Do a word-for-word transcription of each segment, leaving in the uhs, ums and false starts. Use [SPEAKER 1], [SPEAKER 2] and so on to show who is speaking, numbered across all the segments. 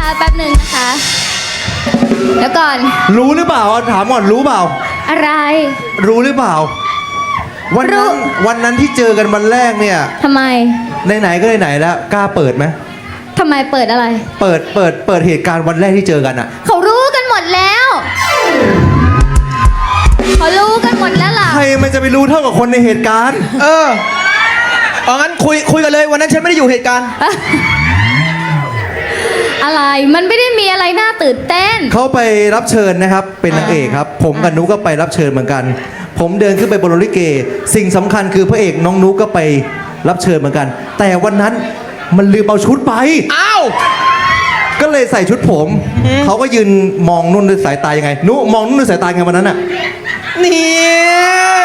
[SPEAKER 1] นะคะแป๊บหนึ่งนะคะแล้วก่อน
[SPEAKER 2] รู้หรือเปล่าถามก่อนรู้เปล่า
[SPEAKER 1] อะไร
[SPEAKER 2] รู้หรือเปล่าวันนั้นวันนั้นที่เจอกันวันแรกเนี่ย
[SPEAKER 1] ทำไม
[SPEAKER 2] ไหนๆก็ไหนๆแล้วกล้าเปิดไหม
[SPEAKER 1] ทำไมเปิดอะไร
[SPEAKER 2] เปิดเปิดเปิดเหตุการณ์วันแรกที่เจอกันอ่ะ
[SPEAKER 1] เขารู้กันหมดแล้วเขารู้กันหมดแล้วล่ะ
[SPEAKER 2] ใครมันจะไปรู้เท่ากับคนในเหตุการณ์
[SPEAKER 3] เออเอางั้นคุยคุยกันเลยวันนั้นฉันไม่ได้อยู่เหตุการณ์
[SPEAKER 1] อะไรมันไม่ได้มีอะไรน่าตื่นเต้น
[SPEAKER 2] เขาไปรับเชิญนะครับเป็นนางเอกครับผมกับนุ๊กก็ไปรับเชิญเหมือนกันผมเดินขึ้นไปบนโรงลิเกสิ่งสำคัญคือพระเอกน้องนุ๊กก็ไปรับเชิญเหมือนกันแต่วันนั้นมันลืมเอาชุดไป
[SPEAKER 3] อ้าว
[SPEAKER 2] ก็เลยใส่ชุดผมเขาก็ยืนมองนุ่นด้วยสายตายังไงนุ๊กมองนุ่นด้วยสายตาไงวันนั้นอ่ะ
[SPEAKER 3] นี่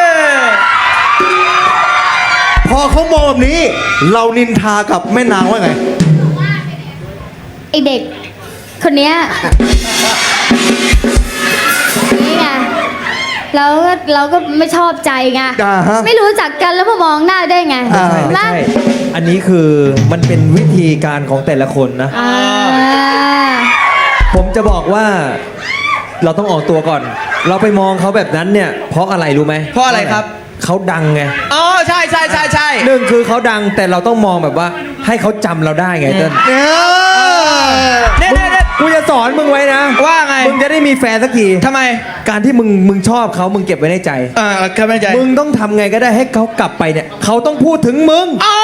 [SPEAKER 2] พอเขามองแบบนี้เรานินทากับแม่นางว่าไง
[SPEAKER 1] ไอเด็กคนเนี้ยนี่ไงเราก็เราก็ไม่ชอบใจไงไม่รู้จักกันแล้วมามองหน้าได้ไง
[SPEAKER 4] ไม่ใช่อันนี้คือมันเป็นวิธีการของแต่ละคนนะผมจะบอกว่าเราต้องออกตัวก่อนเราไปมองเขาแบบนั้นเนี่ยเพราะอะไรรู้ไหม
[SPEAKER 3] เพราะอะไรครับ
[SPEAKER 4] เขาดังไง
[SPEAKER 3] อ๋อใช่ใช่ใช่ใช่
[SPEAKER 4] หนึ่งคือเขาดังแต่เราต้องมองแบบว่าให้เขาจำเราได้ไงเติ้ล
[SPEAKER 3] เนี่ยเนี่ยเนี่ย
[SPEAKER 4] กูจะสอนมึงไว้นะ
[SPEAKER 3] ว่าไง
[SPEAKER 4] มึงจะได้มีแฟนสักที
[SPEAKER 3] ทำไม
[SPEAKER 4] การที่มึงมึงชอบเขามึงเก็บไว้ในใจ
[SPEAKER 3] อ่าเก็บไว้ในใจ
[SPEAKER 4] มึงต้องทำไงก็ได้ให้เขากลับไปเนี่ยเขาต้องพูดถึงมึง
[SPEAKER 3] อ๋อ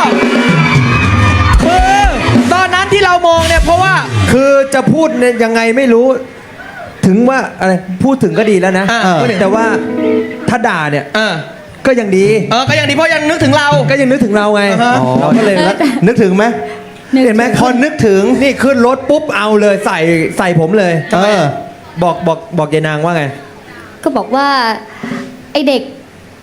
[SPEAKER 3] คือตอนนั้นที่เรามองเนี่ยเพราะว่า
[SPEAKER 4] คือจะพูดเนี่ยยังไงไม่รู้ถึงว่าอะไรพูดถึงก็ดีแล้วนะแต่ว่าถ้าด่าเนี่ยก็ยังดี
[SPEAKER 3] เออก็ยังดีเพราะยังนึกถึงเรา
[SPEAKER 4] ก็ยังนึกถึงเราไงเราก็เลย
[SPEAKER 2] นึกถึงไหมเห็นไหมพอนึกถึง
[SPEAKER 4] นี่ขึ้นรถปุ๊บเอาเลยใส่ใส่ผมเลย
[SPEAKER 2] เออ
[SPEAKER 4] บอกบอกบอกยายนางว่าไง
[SPEAKER 1] ก็บอกว่าไอเด็ก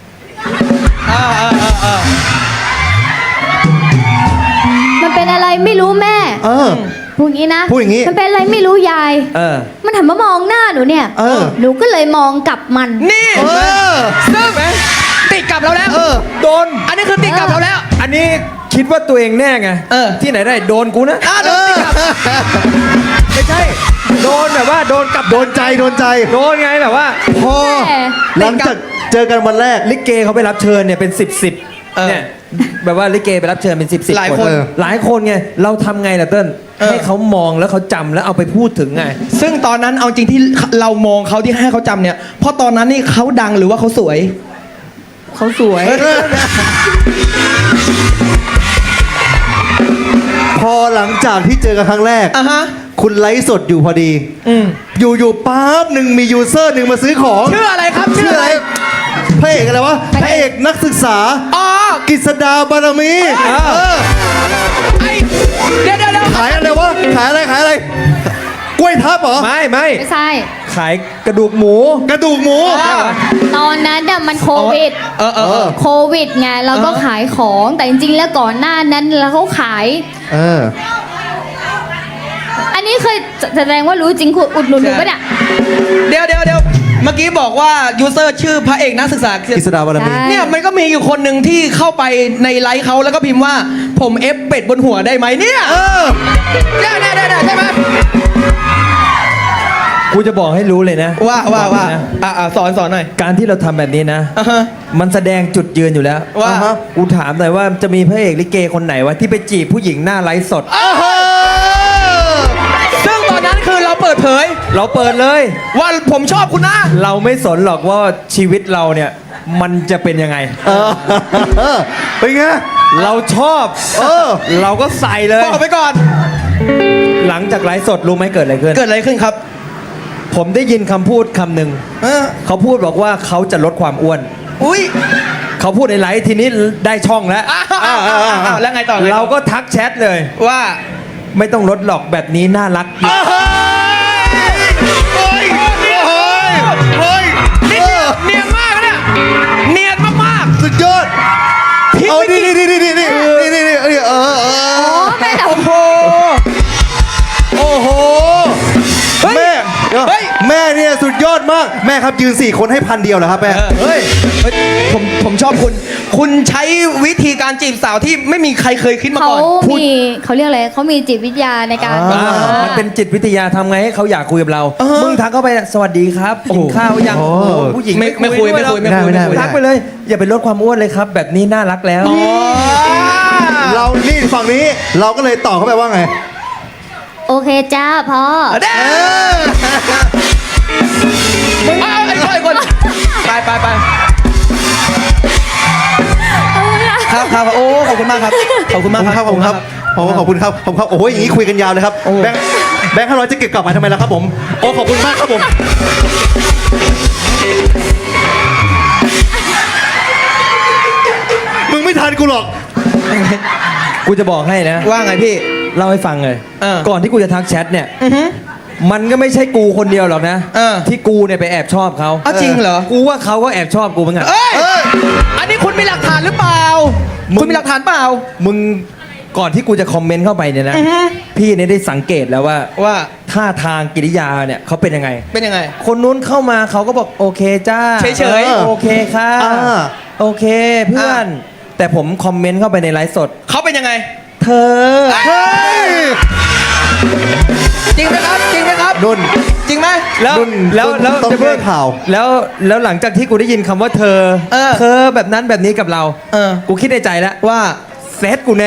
[SPEAKER 1] มันเป็นอะไรไม่รู้แม่
[SPEAKER 2] เออ
[SPEAKER 1] พูดอย่างนี้นะ
[SPEAKER 2] พูดอย่างนี้
[SPEAKER 1] มันเป็นอะไรไม่รู้ยาย
[SPEAKER 4] เออ
[SPEAKER 1] มันหันมามองหน้าหนูเนี่ย
[SPEAKER 2] เออ
[SPEAKER 1] หนูก็เลยมองกลับมัน
[SPEAKER 3] นี่
[SPEAKER 2] เออ
[SPEAKER 3] ซึ่งติดกลับเราแล้ว
[SPEAKER 4] เออโดน
[SPEAKER 3] อันนี้คือติดกลับเราแล้ว
[SPEAKER 4] อันนี้คิดว่าตัวเองแน่ไง
[SPEAKER 3] เออ
[SPEAKER 4] ที่ไหนได้โดนกูนะ
[SPEAKER 3] อ่าโดนติดกลับ
[SPEAKER 4] ไม่ใช่โดนแบบว่าโดนกลับ
[SPEAKER 2] โดนใจโดนใจ
[SPEAKER 4] โดนไงแบบว่า
[SPEAKER 2] พอหลังจากเจอกันวันแรก
[SPEAKER 4] ลิเกเขาไปรับเชิญเนี่ยเป็นสิบสิบเนี่ยแบบว่าลิเกไปรับเชิญเป็นสิบสิบ
[SPEAKER 3] หลายคน
[SPEAKER 4] หลายคนไงเราทำไงล่ะเติ้ลให้เขามองแล้วเขาจำแล้วเอาไปพูดถึงไง
[SPEAKER 3] ซึ่งตอนนั้นเอาจริงที่เรามองเขาที่ให้เขาจำเนี่ยเพราะตอนนั้นนี่เขาดังหรือว่าเขาสวย
[SPEAKER 4] เขาสวย
[SPEAKER 2] พอหลังจากที่เจอกันครั้งแรก
[SPEAKER 3] อ่ะฮะ
[SPEAKER 2] คุณไลฟ์สดอยู่พอดีอยู่อยู่ปั๊บหนึ่งมียูเซอร์หนึ่งมาซื้อของ
[SPEAKER 3] ชื่ออะไรครับ
[SPEAKER 2] ชื่ออะไรพระเอกอะไรวะพระเอกนักศึกษา
[SPEAKER 3] อ๋อก
[SPEAKER 2] ฤษดาบารมี
[SPEAKER 3] ไอเดี๋ยวเดี๋ยว
[SPEAKER 2] ขายอะไรวะขายอะไรขายอะไรกล้วยทับเหรอ
[SPEAKER 4] ไม่ไม่
[SPEAKER 1] ไม่ใช่
[SPEAKER 4] ขายกระดูกหมู
[SPEAKER 2] กระดูกหมู
[SPEAKER 1] ตอนนั้นน่ะมันโควิด
[SPEAKER 3] เออเออ
[SPEAKER 1] โควิดไงเราก็ขายของแต่จริงๆแล้วก่อนหน้านั้นแล้วเขาขาย
[SPEAKER 2] เออ
[SPEAKER 1] อันนี้เคยแสดงว่ารู้จริงอุดหนุนหนูปะเนี่ย
[SPEAKER 3] เดี๋ยวเดี๋ยวเดี๋ยวเมื่อกี้บอกว่ายูเซอร์ชื่อพระเอกนักศึกษาก
[SPEAKER 2] ฤษดาบารมี
[SPEAKER 3] เนี่ยมันก็มีอยู่คนหนึ่งที่เข้าไปในไลฟ์เขาแล้วก็พิมพ์ว่าผมเอฟเป็ดบนหัวได้ไหมเนี่ย
[SPEAKER 2] เออ
[SPEAKER 3] ได้ได้ได้ใช่ไหม
[SPEAKER 4] กูจะบอกให้รู้เลยนะ
[SPEAKER 3] ว่าว่าว่าอ่าสอนสอนหน่อย
[SPEAKER 4] การที่เราทำแบบนี้นะมันแสดงจุดยืนอยู่แล้ว
[SPEAKER 3] ว่า
[SPEAKER 4] กูถามหน่อยว่าจะมีพระเอกลิเกคนไหนวะที่ไปจีบผู้หญิงหน้าไลฟ์สด
[SPEAKER 3] ซึ่งตอนนั้นคือเราเปิดเผย
[SPEAKER 4] เราเปิดเลย
[SPEAKER 3] ว่าผมชอบคุณนะ
[SPEAKER 4] เราไม่สนหรอกว่าชีวิตเราเนี่ยมันจะเป็นยังไง
[SPEAKER 2] เป็นไง
[SPEAKER 4] เราชอบเออเราก็ใส่เลย
[SPEAKER 3] บอกไปก่อน
[SPEAKER 4] หลังจากไลฟ์สดรู้ไหมเกิดอะไรขึ้น
[SPEAKER 3] เกิดอะไรขึ้นครับ
[SPEAKER 4] ผมได้ยินคำพูดคำหนึ่งเขาพูดบอกว่าเขาจะลดความอ้วน
[SPEAKER 3] อุ้ย
[SPEAKER 4] เขาพูดในไลฟ์ทีนี้ได้ช่องแล้ว
[SPEAKER 3] แล้วไงต่อ
[SPEAKER 4] เราก็ทักแชทเลย
[SPEAKER 3] ว่า
[SPEAKER 4] ไม่ต้องลดหรอกแบบนี้น่ารัก
[SPEAKER 3] เฮ้ยเฮ้ยเนียนมากเนี่ยเนียนมาก
[SPEAKER 2] ๆสุดยอดเอาดิดิดิดิดิดิดิดิเออเออ
[SPEAKER 1] แม่
[SPEAKER 3] โอ้โหโอ้โห
[SPEAKER 2] แม่แม่เนี่ยสุดยอดมากแม่ครับยืนสี่คนให้พันเดียวเหรอครับแม่
[SPEAKER 3] เฮ้ยเฮ้ยผมผมชอบคุณ คุณใช้วิธีการจีบสาวที่ไม่มีใครเคยคิดมา
[SPEAKER 1] เขา
[SPEAKER 3] ก่อน
[SPEAKER 1] มีเขาเรียกอะไรเขามีจิตวิทยาในการ
[SPEAKER 4] อ่ามันเป็นจิตวิทยาทำไงให้เขาอยากคุยกับเรา
[SPEAKER 3] เออ
[SPEAKER 4] มึงทักเข้าไปสวัสดีครับกินข้าวยัง
[SPEAKER 2] โอ้
[SPEAKER 4] โอ้โหผู้หญิง
[SPEAKER 3] ไม่ไม่คุยไม่คุยไม่คุย
[SPEAKER 2] ไม่ได้ไม่ได้
[SPEAKER 4] ทักไปเลย อย่าไปลดความอ้วนเลยครับ แบบนี้น่ารักแล้ว
[SPEAKER 2] เรานี่ฝั่งนี้เราก็เลยตอบเข้าไปว่าไง
[SPEAKER 1] โอเคจ้าพ่อ
[SPEAKER 3] เด้เอาไอ้คนไอ้คนไปไปไปครับครับโอ้ขอบคุณมากครับขอบคุณ
[SPEAKER 2] ข
[SPEAKER 3] มา
[SPEAKER 2] อก บคุณ
[SPEAKER 3] ค
[SPEAKER 2] ค
[SPEAKER 3] รั
[SPEAKER 2] รั
[SPEAKER 3] บบ
[SPEAKER 2] ขอบคุณครับขอบคุณขอบคุณครับขอบคุณครับโอ้โหอย่างนี้คุยกันยาวเลยครับแบงค์แบงค์ห้าร้อยจะเก็บกลับมาทำไมล่ะครับผมโอ้ขอบคุณมากครับผมมึงไม่ทันกูหรอก
[SPEAKER 4] กูจะบอกให้นะ
[SPEAKER 3] ว่าไงพี่
[SPEAKER 4] เล่าให้ฟังเลย
[SPEAKER 3] เออ
[SPEAKER 4] ก่อนที่กูจะทักแชทเนี่ย มันก็ไม่ใช่กูคนเดียวหรอกนะ
[SPEAKER 3] เออ
[SPEAKER 4] ที่กูเนี่ยไปแอบชอบเขา
[SPEAKER 3] อ้าวจริงเหรอ
[SPEAKER 4] กูว่าเขาก็แอบชอบกูเหมือนกัน
[SPEAKER 3] เอ้ยอันนี้คุณมีหลักฐานหรือเปล่า คุณมีหลักฐานเปล่า
[SPEAKER 4] มึงก่อนที่กูจะคอมเมนต์เข้าไปเนี่ยนะ พี่เนี่ยได้สังเกตแล้วว่า
[SPEAKER 3] ว่า
[SPEAKER 4] ท่าทางกิริยาเนี่ยเขาเป็นยังไง
[SPEAKER 3] เป็นยังไง
[SPEAKER 4] คนนู้นเข้ามาเขาก็บอกโอเคจ้า
[SPEAKER 3] เฉยๆ
[SPEAKER 4] ออโอเคค่ะ
[SPEAKER 2] อ่า
[SPEAKER 4] โอเคเพื่อน แต่ผมคอมเมนต์เข้าไปในไลฟ์สด
[SPEAKER 3] เขาเป็นยังไง
[SPEAKER 4] เธอ
[SPEAKER 3] เฮ้ยจริงไหมครับ จริงไหมครับ
[SPEAKER 2] นุ่น
[SPEAKER 3] จริงไหม
[SPEAKER 4] แล้ว
[SPEAKER 2] นุ่น
[SPEAKER 4] แล้ว
[SPEAKER 2] นุ่น
[SPEAKER 4] แล้ว
[SPEAKER 2] ต้อง
[SPEAKER 4] จะเพิ่
[SPEAKER 2] แก้ข่าว
[SPEAKER 4] แล้วแล้วหลังจากที่กูได้ยินคำว่าเธอ
[SPEAKER 3] เออ
[SPEAKER 4] เธอแบบนั้นแบบนี้กับเรา
[SPEAKER 3] เออ
[SPEAKER 4] กูคิดในใจแล้ว
[SPEAKER 3] ว่า
[SPEAKER 4] เซตกูแน่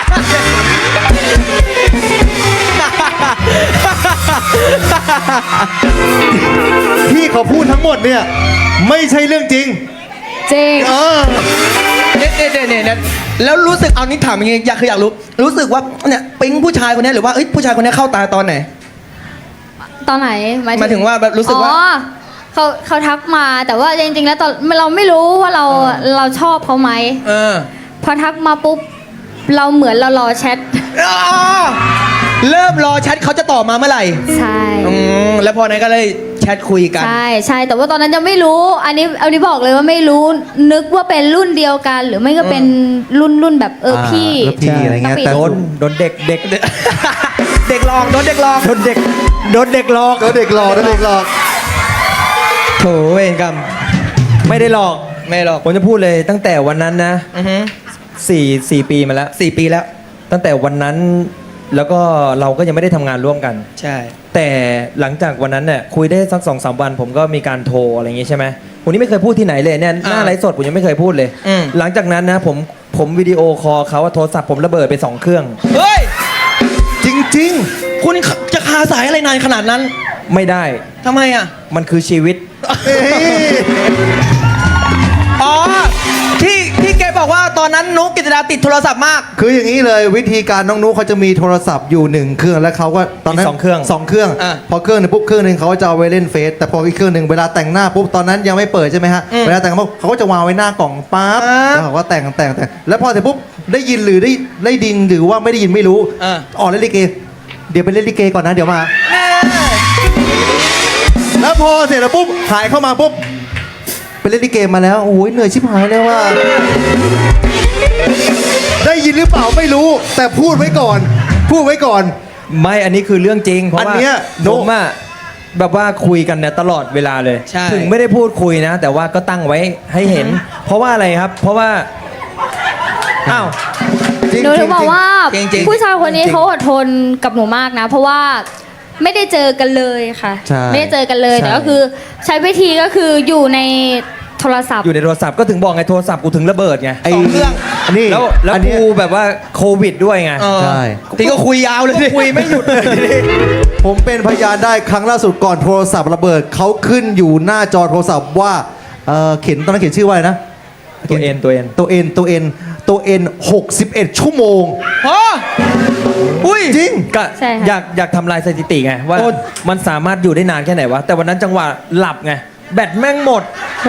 [SPEAKER 2] ที่เขาพูดทั้งหมดเนี่ยไม่ใช่เรื่องจริง
[SPEAKER 1] จริง
[SPEAKER 2] เออ
[SPEAKER 3] เนี่ยเนี่ยเนี่ยเนี่ยแล้วรู้สึกเอานี่ถามอย่างงี้อยากคืออยากรู้ รู้สึกว่าเนี่ยปิ๊งผู้ชายคนนี้หรือว่าเอ้ยผู้ชายคนนี้เข้าตาตอนไหน
[SPEAKER 1] ตอนไหน
[SPEAKER 3] หมายถึงว่าแบบรู้สึกว่า
[SPEAKER 1] อ๋อเขาเขาทักมาแต่ว่าจริงๆแล้วตอนเราไม่รู้ว่าเราเราชอบเขาไหม
[SPEAKER 3] เออ
[SPEAKER 1] พอทักมาปุ๊บเราเหมือนเรารอแชท
[SPEAKER 3] อ๋อเริ่มรอแชทเขาจะตอบมาเมื่อไหร่
[SPEAKER 1] ใช่
[SPEAKER 3] อืมแล้วพอนั้นก็เลยแชทคุยกัน
[SPEAKER 1] ใช่ใช่แต่ว่าตอนนั้นยังไม่รู้ อันนี้เอานี้บอกเลยว่าไม่รู้ นึกว่าเป็นรุ่นเดียวกัน หรือไม่ก็เป็นรุ่นรุ่นแบบเออพี่
[SPEAKER 2] อ่าแล้วพี่อะไรเงี้ย
[SPEAKER 1] ปกติ
[SPEAKER 2] แต่
[SPEAKER 4] โดนโดนเด็กเด็ก
[SPEAKER 3] เด็กลองโดนเด็กลอง
[SPEAKER 4] โดนเด็กโดนเด็กหลอก
[SPEAKER 2] แล้วเด็กหลอกแล้วเด็กหลอก
[SPEAKER 3] โถเวรกรรม
[SPEAKER 4] ไม่ได้หลอก
[SPEAKER 3] ไม่หรอก
[SPEAKER 4] ผมจะพูดเลยตั้งแต่วันนั้นนะ
[SPEAKER 3] อือฮึ
[SPEAKER 4] สี่สี่ปีมาแล้ว
[SPEAKER 3] สี่ปีแล้ว
[SPEAKER 4] ตั้งแต่วันนั้นแล้วก็เราก็ยังไม่ได้ทำงานร่วมกัน
[SPEAKER 3] ใช่
[SPEAKER 4] แต่หลังจากวันนั้นเนี่ยคุยได้สักสองสามวัน ผมก็มีการโทรอะไรอย่างงี้ใช่ไหมผมนี่ไม่เคยพูดที่ไหนเลยเนี่ยหน้าไลฟ์สดผมยังไม่เคยพูดเลย
[SPEAKER 3] อืม
[SPEAKER 4] หลังจากนั้นนะผมผมวิดีโอคอลเขาว่าโทรศัพท์ผมระเบิดไปสองเครื่อง
[SPEAKER 3] เฮ้ย
[SPEAKER 2] จริง
[SPEAKER 3] คุณจะคาสายอะไรนานขนาดนั้น
[SPEAKER 4] ไม่ได้
[SPEAKER 3] ทำไมอ่ะ
[SPEAKER 4] มันคือชีวิต
[SPEAKER 2] ๆเอ้ย
[SPEAKER 3] อ๋อ ที่ที่แกบอกว่าตอนนั้นนุกกิตดาติดโทรศัพท์มาก
[SPEAKER 2] คืออย่างนี้เลยวิธีการน้องนุ๊กเขาจะมีโทรศัพท์อยู่หนึ่งเครื่องแล้วเขาก็ตอนนั้น
[SPEAKER 4] มีสองเครื่อง
[SPEAKER 2] สองเครื่อง
[SPEAKER 3] อ่ะ
[SPEAKER 2] พอเครื่องหนึงปุ๊บเครื่องหนึงเขาจะเอาไว้เล่นเฟซแต่พออีกเครื่องหนึ่งเวลาแต่งหน้าปุ๊บตอนนั้นยังไม่เปิดใช่ไหมฮะ
[SPEAKER 3] อืม
[SPEAKER 2] เวลาแต่งปุ๊บเขาก็จะวางไว้หน้ากล่องปั๊บ
[SPEAKER 3] อ่า
[SPEAKER 2] แล้วเขาก็แต่งแต่งแต่งแล้วพอเสร็จปุ๊บได้ยินหรือได้ได้ดินหรือว่าไม่ได้ยินไม่รู้
[SPEAKER 3] อ่า
[SPEAKER 2] ออกเล่นลิเกเดี๋ยวไปเล่นลิเกก่อนนะเดี๋ยวมา แล้วพอเสร็จแล้วปุ๊บหายเข้ามาปุ๊บไปเล่นลิเกมาแล้วโอ้ยเหนื่อยชิบหายเลยว่า ได้ยินหรือเปล่าไม่รู้ แต่พูดไว้ก่อน พูดไว้ก่อน
[SPEAKER 4] ไม่อันนี้คือเรื่องจริง เพราะ
[SPEAKER 2] อัน
[SPEAKER 4] ว่า
[SPEAKER 2] เนี้ย
[SPEAKER 4] ผมอะแบบว่าคุยกันเนี่ยตลอดเวลาเลย
[SPEAKER 3] ใช่
[SPEAKER 4] ถึงไม่ได้พูดคุยนะ แต่ว่าก็ตั้งไว้ให้เห็น เพราะว่าอะไรครับ เพราะว่าอ้าว
[SPEAKER 2] จริง
[SPEAKER 1] หนูถึงบอกว่า
[SPEAKER 3] จริงๆ
[SPEAKER 1] ผู้ชายคนนี้
[SPEAKER 4] จริงๆ
[SPEAKER 1] เขาอดทนกับหนูมากนะ เพราะว่าไม่ได้เจอกันเลยค่ะ
[SPEAKER 2] ใช่
[SPEAKER 1] ไม่ได้เจอกันเลย
[SPEAKER 4] ใช่
[SPEAKER 1] แต่ก็คือใช้วิธีก็คืออยู่ในโทรศัพท์
[SPEAKER 4] อยู่ในโทรศัพท์ก็ถึงบอกไงโทรศัพท์กูถึงระเบิดไง
[SPEAKER 2] ไอ้
[SPEAKER 3] สองเครื่อง
[SPEAKER 2] อันนี้
[SPEAKER 4] แล้วแล้ว
[SPEAKER 2] อันเนี้ย
[SPEAKER 4] กูแบบว่าโควิดด้วยไง
[SPEAKER 3] เออ
[SPEAKER 2] ใช่
[SPEAKER 3] ที่ก็คุยยาวเลยดิ
[SPEAKER 4] คุยไม่หยุดเลย
[SPEAKER 2] ผมเป็นพยานได้ครั้งล่าสุดก่อนโทรศัพท์ระเบิดเขาขึ้นอยู่หน้าจอโทรศัพท์ว่าเอ่อเขียนตอนนั้นเขียนชื่อว่าอะไรนะ
[SPEAKER 4] ตัวเอ็นตัวเอ็น
[SPEAKER 2] ตัวเอ็นตัวเอ็นตัวเอ็นหกสิบเอ็ดชั่วโมง
[SPEAKER 3] ฮะอุ้ย
[SPEAKER 2] จริง
[SPEAKER 4] ก็
[SPEAKER 1] ใช่ค่ะ
[SPEAKER 4] อยากอยากทำลายสถิติไงว่า
[SPEAKER 3] โอ้
[SPEAKER 4] มันสามารถอยู่ได้นานแค่ไหนวะ แต่วันนั้นจังหวะหลับไง แบตแม่งหมด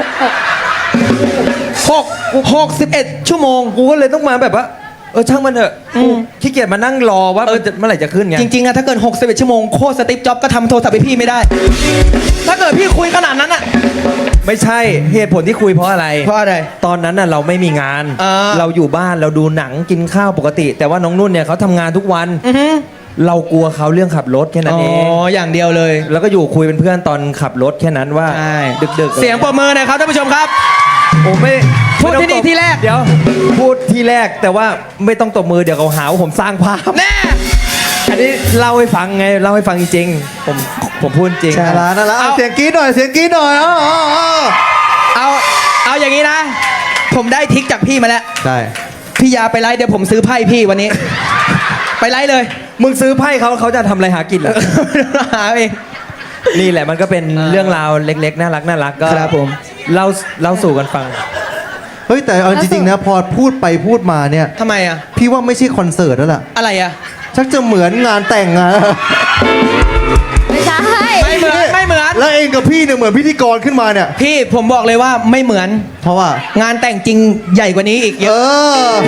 [SPEAKER 3] หกหกสิบเอ็ดชั่วโมง
[SPEAKER 4] กูก็เลยต้องมาแบบว่า เออช่างมันเถอะกูขี้เกียจมานั่งรอว่าเออจะเมื่อไหร่จะขึ้นไง
[SPEAKER 3] จริงๆอะถ้าเกินหกสิบเอ็ดชั่วโมงโคตรสติปจ็อบก็ทำโทรศัพท์ให้พี่ไม่ได้ ถ้าเกิดพี่คุยขนาดนั้นอะ
[SPEAKER 4] ไม่ใช่เหตุผลที่คุยเพราะอะไร
[SPEAKER 3] เพราะอะไร
[SPEAKER 4] ตอนนั้นน่ะเราไม่มีงาน
[SPEAKER 3] อ่า
[SPEAKER 4] เราอยู่บ้านเราดูหนังกินข้าวปกติ แต่ว่าน้องนุ่นเนี่ยเขาทำงานทุกวัน
[SPEAKER 3] อือฮึ
[SPEAKER 4] เรากลัวเขาเรื่องขับรถแค่นั้
[SPEAKER 3] อ๋
[SPEAKER 4] น
[SPEAKER 3] อ
[SPEAKER 4] เอง
[SPEAKER 3] อย่างเดียวเลย
[SPEAKER 4] แล้วก็อยู่คุยเป็นเพื่อนตอนขับรถแค่นั้นว่า
[SPEAKER 3] ใช่
[SPEAKER 4] ดึกๆ
[SPEAKER 3] เสียงปรบมือหน่อยครับท่านผู้ชมครับ
[SPEAKER 4] ผมไม่
[SPEAKER 3] พูด
[SPEAKER 4] ไม่ต้อง
[SPEAKER 3] ที่นี่
[SPEAKER 4] ตบ
[SPEAKER 3] ที่แรก
[SPEAKER 4] เดี๋ยวพูดที่แรกแต่ว่าไม่ต้องตบมือเดี๋ยวเขาหาว่าผมสร้างภาพ
[SPEAKER 3] แน่
[SPEAKER 4] อันนี้เล่าให้ฟังไงเล่าให้ฟังจริงๆผมผมพูดจริง
[SPEAKER 2] น่ารักน่ารักเอาเสียงกรี๊ดหน่อยเสียงกรี๊ดหน่อยอ๋ออ๋ออ๋อ
[SPEAKER 3] เอาเอาอย่างนี้นะ ผมได้ทริกจากพี่มาแล้ว
[SPEAKER 2] ใช่
[SPEAKER 3] พี่ยาไปไลฟ์เดี๋ยวผมซื้อไพ่พี่วันนี้ ไปไลฟ์เลย
[SPEAKER 4] มึงซื้อไพ่เขาเขาจะทำอะไรหากินเหรอ
[SPEAKER 3] หาเอง
[SPEAKER 4] นี่แหละมันก็เป็นเรื่องราวเล็กๆน่ารักน่ารักก็
[SPEAKER 3] ครับผม
[SPEAKER 4] เล่าเล่าสู่กันฟัง
[SPEAKER 2] เฮ้ยแต่เอาจริงๆนะพอพูดไปพูดมาเนี่ย
[SPEAKER 3] ทำไมอ่ะ
[SPEAKER 2] พี่ว่าไม่ใช่คอนเสิร์ตแล้วล่ะ
[SPEAKER 3] อะไรอ่ะ
[SPEAKER 2] ชักจะเหมือนงานแต่งงาน
[SPEAKER 1] ไม่ใช่
[SPEAKER 3] ไม่เหมือนไม่เหมือน
[SPEAKER 2] แล้วเองกับพี่เนี่ยเหมือนพิธีกรขึ้นมาเนี่ย
[SPEAKER 3] พี่ผมบอกเลยว่าไม่เหมือน
[SPEAKER 2] เพราะว่า
[SPEAKER 3] งานแต่งจริงใหญ่กว่านี้อีกเย
[SPEAKER 2] เอ
[SPEAKER 3] อะ
[SPEAKER 2] อ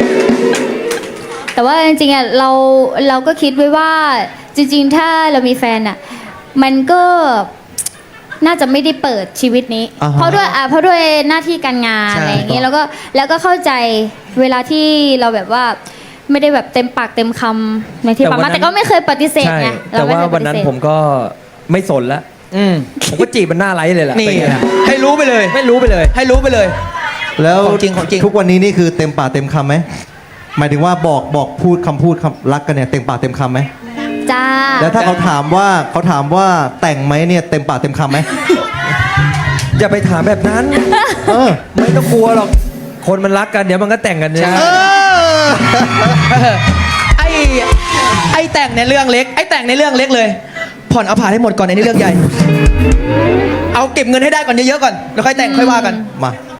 [SPEAKER 1] แต่ว่าจริงๆอ่ะเราเราก็คิดไว้ว่าจริง ๆ ถ้าเรามีแฟนอ่ะมันก็น่าจะไม่ได้เปิดชีวิตนี้
[SPEAKER 2] อ่าฮะ
[SPEAKER 1] เพราะด้วยอ่ะเพราะด้วยหน้าที่การงานอะไรอย่างเงี้ยแล้วก็แล้วก็เข้าใจเวลาที่เราแบบว่าไม่ได้แบบเต็มปากเต็มคำในที่
[SPEAKER 4] แต่
[SPEAKER 1] ปาก
[SPEAKER 4] วัน
[SPEAKER 1] มา
[SPEAKER 4] นั้น
[SPEAKER 1] แต่ก็ไม่เคยปฏิเสธ
[SPEAKER 4] ใช่
[SPEAKER 1] ไง
[SPEAKER 4] แต่
[SPEAKER 1] เรไม่
[SPEAKER 4] ว่า
[SPEAKER 1] เคยป
[SPEAKER 4] วัน
[SPEAKER 1] ฏิ
[SPEAKER 4] นั้น
[SPEAKER 1] เสธ
[SPEAKER 4] ผมก็ไม่สนละ
[SPEAKER 3] อืม
[SPEAKER 4] ผมก็จีบมันหน้าไลฟ์เลยแหละ
[SPEAKER 3] นี่
[SPEAKER 4] เป็นไงล่ะ
[SPEAKER 3] ให้รู้ไปเลย
[SPEAKER 4] ไม่รู้ไปเลย
[SPEAKER 3] ให้รู้ไปเลย
[SPEAKER 2] แล้ว
[SPEAKER 3] ของจริงของจริง
[SPEAKER 2] ทุกวันนี้นี่คือเต็มปากเต็มคำไหมหมายถึงว่าบอกบอกพูดคำพูดคำรักกันเนี่ยเต็มปากเต็มคำไหม
[SPEAKER 1] จ้า
[SPEAKER 2] แล้วถ้าเขาถามว่าเขาถามว่าแต่งไหมเนี่ยเต็มปากเต็มคำไหม
[SPEAKER 4] อย่าไปถามแบบนั้น
[SPEAKER 2] เออ
[SPEAKER 4] ไม่ต้องกลัวหรอกคนมันรักกันเดี๋ยวมันก็แต่งกันเนี่ย
[SPEAKER 3] ใช่
[SPEAKER 2] เออ
[SPEAKER 3] ไอ้ไอ้แต่งในเรื่องเล็ก ไอ้แต่งในเรื่องเล็กเลย ผ่อนเอาผ่านให้หมดก่อนในเรื่องใหญ่ เอาเก็บเงินให้ได้ก่อนเยอะๆก่อนแล้วค่อยแต่งค่อยว่ากัน
[SPEAKER 2] มา